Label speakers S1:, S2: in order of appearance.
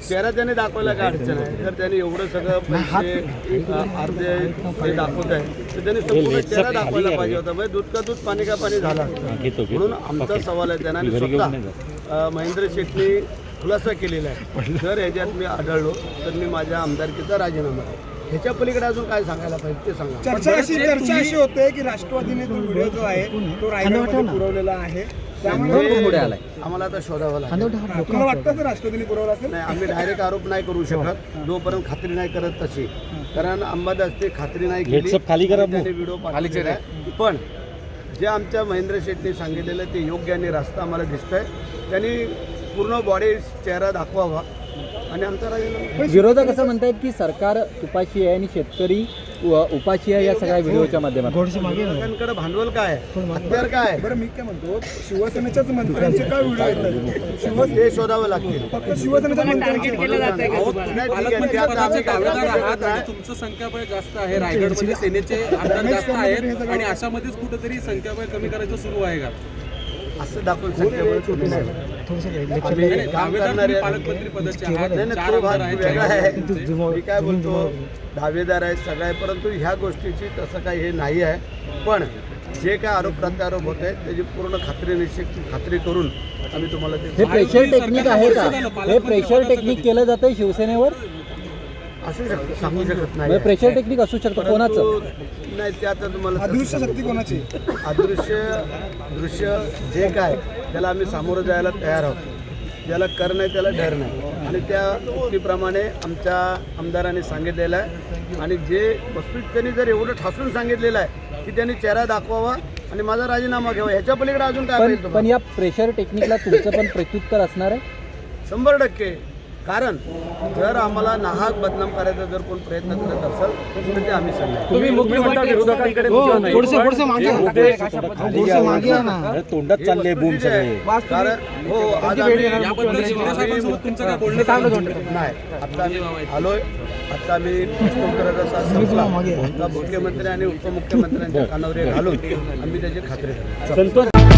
S1: चेहरा त्याने दाखवायला काय अडचण आहे. तर त्याने एवढं सगळं पैसे अर्धे हे दाखवत आहे तर त्याने संपूर्ण चेहरा दाखवायला पाहिजे होता. म्हणजे दूध का दूध पाणी का पाणी झालं असतं. म्हणून आमचा सवाल आहे त्यांना स्वतः महेंद्र शेटनी खुलासा केलेला आहे. जर ह्याच्यात मी आढळलो तर मी माझ्या आमदारकीचा राजीनामा आहे. ह्याच्या पलीकडे अजून काय सांगायला पाहिजे ते सांगा.
S2: चर्चा अशी होते की राष्ट्रवादीने तो व्हिडिओ जो आहे तो रायगडमध्ये पुरवलेला आहे, त्यामुळे
S1: आम्हाला आता शोधावं लागेल.
S2: तुम्हाला वाटतं राष्ट्रवादीने पुरवला असेल?
S1: नाही, आम्ही डायरेक्ट आरोप नाही करू शकत जोपर्यंत खात्री नाही करत तशी. कारण अंबादास ते खात्री नाही केली त्याने व्हिडिओ पाठवलेला आहे. पण जे आमच्या महेंद्र शेटने सांगितलेलं ते योग्य आणि रास्ता आम्हाला दिसतंय. त्यांनी पूर्ण बॉडी चेहरा दाखवावा आणि आमचा राजीनामा.
S3: विरोधक असं म्हणतायत की सरकार उपाशी आहे आणि शेतकरी उपाशी आहे या सगळ्या व्हिडिओच्या माध्यमातून.
S1: विरोधकांकडे भांडवल काय आहे, हत्यार काय आहे,
S2: बरं मी काय म्हणतो, शिवसेनेच्याच मंत्र्यांचे काय व्हिडिओ येतात?
S1: ते शोधावं लागतील.
S2: फक्त शिवसेनेच्या मंत्र्यांचे
S4: तुमचं संख्याबळ जास्त आहे, रायगडमध्ये सेनेचे आमदार जास्त आहेत आणि अशामध्येच कुठेतरी संख्याबळ कमी करायचं सुरू आहे का
S1: असं दाखवून संख्याबळ कमी नाही.
S4: पालकमंत्री पदाचे
S1: मी काय बोलतो, दावेदार आहे सगळं आहे, परंतु ह्या गोष्टीची तसं काही हे नाही आहे. पण जे काय आरोप प्रत्यारोप होत आहेत त्याची पूर्ण खात्री करून आम्ही तुम्हाला
S3: हे प्रेशर टेक्निक आहे का? हे प्रेशर टेक्निक केलं जातंय शिवसेनेवर?
S1: असू शकतं, सांगू शकत नाही.
S3: प्रेशर टेक्निक असू शकतं कोणाचं?
S1: नाही ते आता तुम्हाला
S2: अदृश्य शक्ती कोणाची?
S1: दृश्य जे काय त्याला आम्ही सामोरं जायला तयार आहोत. ज्याला कर नाही त्याला डर नाही आणि त्या उक्तीप्रमाणे आमच्या आमदारांनी सांगितलेलं आहे. आणि जे वस्तू त्यांनी जर एवढं ठासून सांगितलेलं आहे की त्यांनी चेहरा दाखवावा आणि माझा राजीनामा घ्यावा, ह्याच्या पलीकडे अजून काय पाहिजे?
S3: पण या प्रेशर टेक्निकला तुमचं पण प्रत्युत्तर असणार आहे?
S1: 100%. कारण जर आम्हाला नाहक बदनाम करायचा जर कोण प्रयत्न करत असेल तर ते आम्ही सांगतो.
S3: तुम्ही मुख्यमंत्री विरोधकांकडे तोंडात चालले बूम सगळे.
S1: कारण हो आज आम्ही नाही, आता आम्ही आलोय. आता आम्ही प्रश्नोत्तराचा तास संपला. आता मुख्यमंत्री आणि उपमुख्यमंत्र्यांच्या कानावर घालून आम्ही त्याची खात्री करतो.